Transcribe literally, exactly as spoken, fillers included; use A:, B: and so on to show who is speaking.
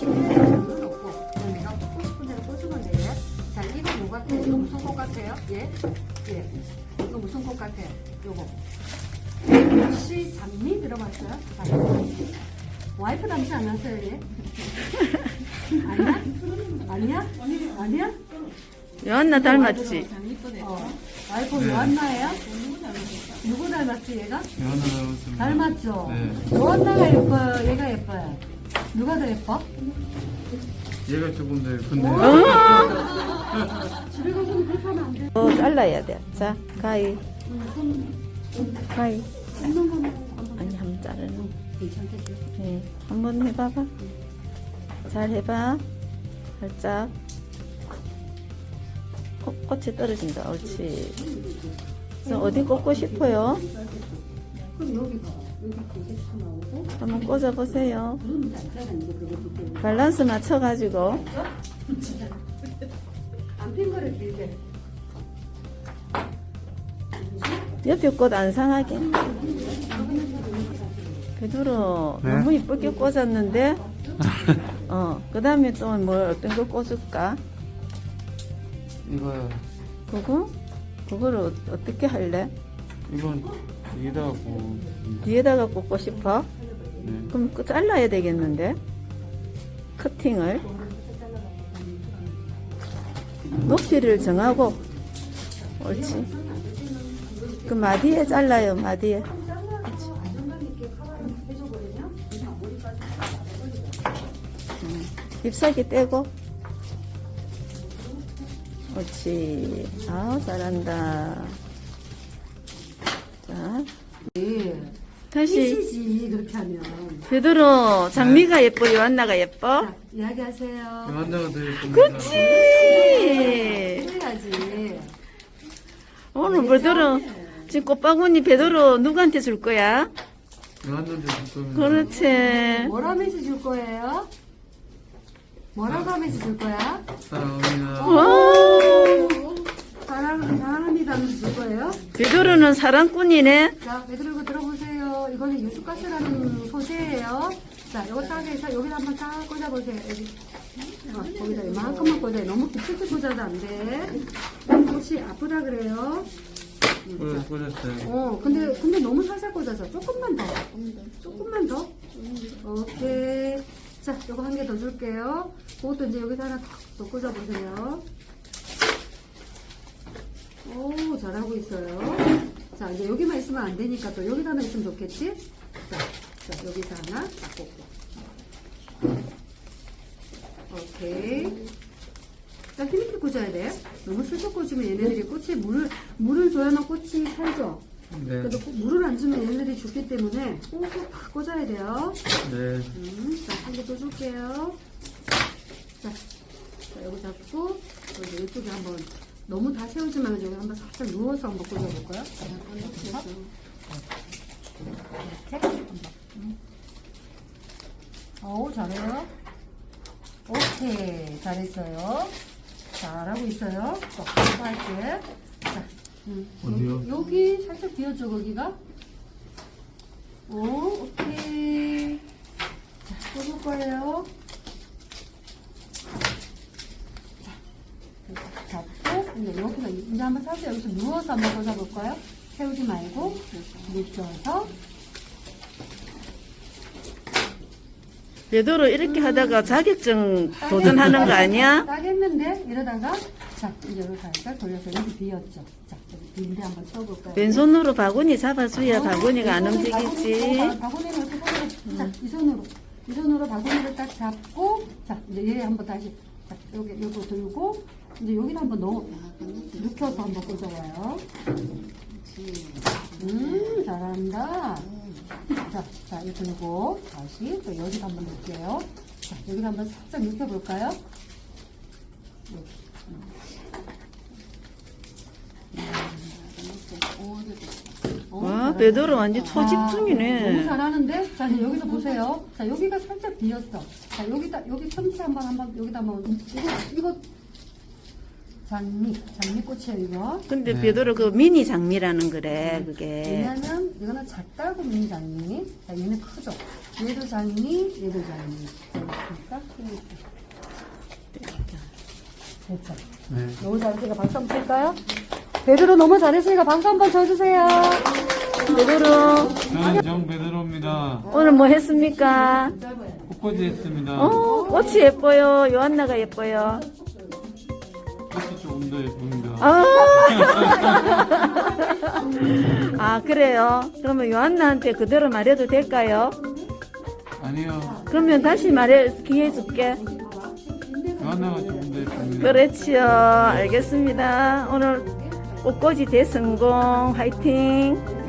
A: 는 없고 그냥 내가 꽂고 싶은 대로 꽂으면 돼. 자, 이거 뭐 같아요? 이거 무슨 꽃 같아요? 예? 예. 이거 무슨 꽃 같아요? 요거. 혹시 장미 들어봤어요? 자, 와이프 닮지 않았어요, 얘? 아니야? 아니야? 아니야?
B: 요한나 닮았지?
A: 어. 와이프 요한나예요? 누구 닮았지, 얘가?
C: 요한나 닮았습니다.
A: 닮았죠?
C: 네.
A: 요한나가 예뻐요? 얘가 예뻐요? 누가 더 예뻐?
C: 얘가 조금 더 예쁜데.
A: 집에 가서는 그렇게 하면 안 돼.
B: 어, 잘라야 돼. 자, 가위. 가위.
A: 씹는 거는 한번
B: 아니, 한번 자르는.
A: 괜찮겠지?
B: 네. 한번 해봐봐. 잘 해봐. 살짝. 코, 꽃이 떨어진다. 옳지. 그래서 어디 꽂고 싶어요?
A: 그럼 여기 봐. 여기 고객수 나오고
B: 한번 꽂아보세요.
A: 누르면 안 이제 그것도 때문에.
B: 밸런스 맞춰가지고.
A: 안 핀 거를 길게.
B: 옆에 꽃 안 상하게. 베드로
C: 네?
B: 너무 이쁘게 꽂았는데, 어, 그 다음에 또 뭐 어떤 거 꽂을까?
C: 이거요.
B: 그거? 그거를 어- 어떻게 할래?
C: 이건 여기다가 뭐.
B: 뒤에다가 꽂고 싶어?
C: 네.
B: 그럼 그 잘라야 되겠는데? 커팅을. 높이를 정하고. 옳지. 그 마디에 잘라요, 마디에. 음, 잎사귀 떼고. 옳지. 아, 잘한다. 자,
A: 예.
B: 다시.
A: 피시지 그렇게 하면.
B: 베드로, 장미가 예뻐, 요한나가 예뻐?
A: 자, 이야기하세요.
C: 요한나가 더 예쁩니다.
B: 그치!
A: 그래야지.
B: 오늘 베드로, 지금 꽃바구니 베드로 누구한테 줄 거야?
C: 요한나도 줄 겁니다.
B: 그렇지.
A: 뭐라면서 줄 거예요? 뭐라고 하면서 줄 거야?
C: 사랑합니다.
B: 와,
A: 사랑, 사랑합니다 하면서 줄 거예요?
B: 베드로는 사랑꾼이네.
A: 자, 얘들 이거 들어보세요. 이거는 유수가스라는 소재예요. 자, 이거 딱 해서 여기다 한번 딱 꽂아보세요. 여기. 어, 거기다 이만큼만 꽂아요. 너무 깊숙이 꽂아도 안 돼. 혹시 아프다 그래요?
C: 꽂- 꽂았어요.
A: 어, 근데, 근데 너무 살살 꽂아서 조금만 더. 조금만 더. 오케이. 자, 요거 한 개 더 줄게요. 그것도 이제 여기다 하나 더 꽂아보세요. 오, 잘하고 있어요. 자, 이제 여기만 있으면 안 되니까 또 여기다 하나 있으면 좋겠지? 자, 자 여기다 하나 딱 꽂고. 오케이. 자, 힘있게 꽂아야 돼. 너무 슬쩍 꽂으면 얘네들이 꽃에 물을, 물을 줘야만 꽃이 살죠?
C: 네.
A: 그래도 꼭 물을 안 주면 얘네들이 죽기 때문에 꾹꾹 팍 꽂아야 돼요.
C: 네.
A: 음, 자, 한 개 더 줄게요. 자, 자, 여기 잡고, 또 이제 이쪽에 한번, 너무 다 세우지 말고 여기 한번 살짝 누워서 한번 꽂아볼까요? 이렇게. 음. 어우, 잘해요. 오케이, 잘했어요. 잘하고 있어요. 또, 또 할게. 자, 음,
C: 어디요?
A: 여기, 여기 살짝 비워줘, 거기가. 오, 오케이. 자, 꽂을 거예요. 자, 잡고, 이제 여기서, 이제 한번 살짝 여기서 누워서 한번 꽂아볼까요? 세우지 말고, 눕혀서.
B: 베드로 이렇게 하다가 자격증 도전하는 거 아니야?
A: 딱 했는데, 이러다가, 자, 이제 여기 살짝 돌려서 여기 비었죠. 자, 여기 빈데 한번 채워볼까요?
B: 왼손으로 바구니 잡아줘야
A: 어,
B: 바구니가 안
A: 이 손으로
B: 움직이지.
A: 바구니, 어, 바구니를 이렇게 손으로, 자, 이 손으로, 이 손으로 바구니를 딱 잡고, 자, 이제 얘 한번 다시, 자, 여기, 여기 들고, 이제 여기를 한번 넣어, 눕혀서 한번 꽂아봐요. 음, 잘한다. 자, 자, 이렇게 들고, 다시, 또 여기도 한번 넣을게요. 자, 여기도 한번 살짝 눕혀볼까요? 여기. 어,
B: 와,
A: 잘한다.
B: 베드로 완전
A: 아,
B: 초집중이네.
A: 너무 잘하는데? 자, 이제 여기서 보세요. 자, 여기가 살짝 비었어. 자, 여기다, 여기 틈치 한번, 한번, 여기다 한번, 이거, 이거. 장미, 장미꽃이에요, 이거.
B: 근데
C: 네.
B: 베드로 그 미니 장미라는 거래, 그게.
A: 왜냐면 이거는 작다고 미니 장미. 자, 얘는 크죠. 얘도 장미, 얘도 장미. 자, 볼까? 됐죠.
C: 네.
A: 너무 잘했으니까 박수 한번 칠까요? 베드로 너무 잘했으니까 박수 한번 쳐주세요.
B: 베드로,
C: 저는 정 베드로입니다.
B: 오늘 뭐 했습니까?
C: 꽃꽂이 했습니다.
B: 어, 꽃이 예뻐요. 요한나가 예뻐요.
C: 꽃이 조금 더 예쁩니다.
B: 아, 아, 그래요? 그러면 요한나한테 그대로 말해도 될까요?
C: 아니요.
B: 그러면 다시 말해, 기회 줄게.
C: 요한나가 조금 더 예쁩니다.
B: 그렇지요. 알겠습니다. 오늘 꽃꽂이 대성공. 화이팅.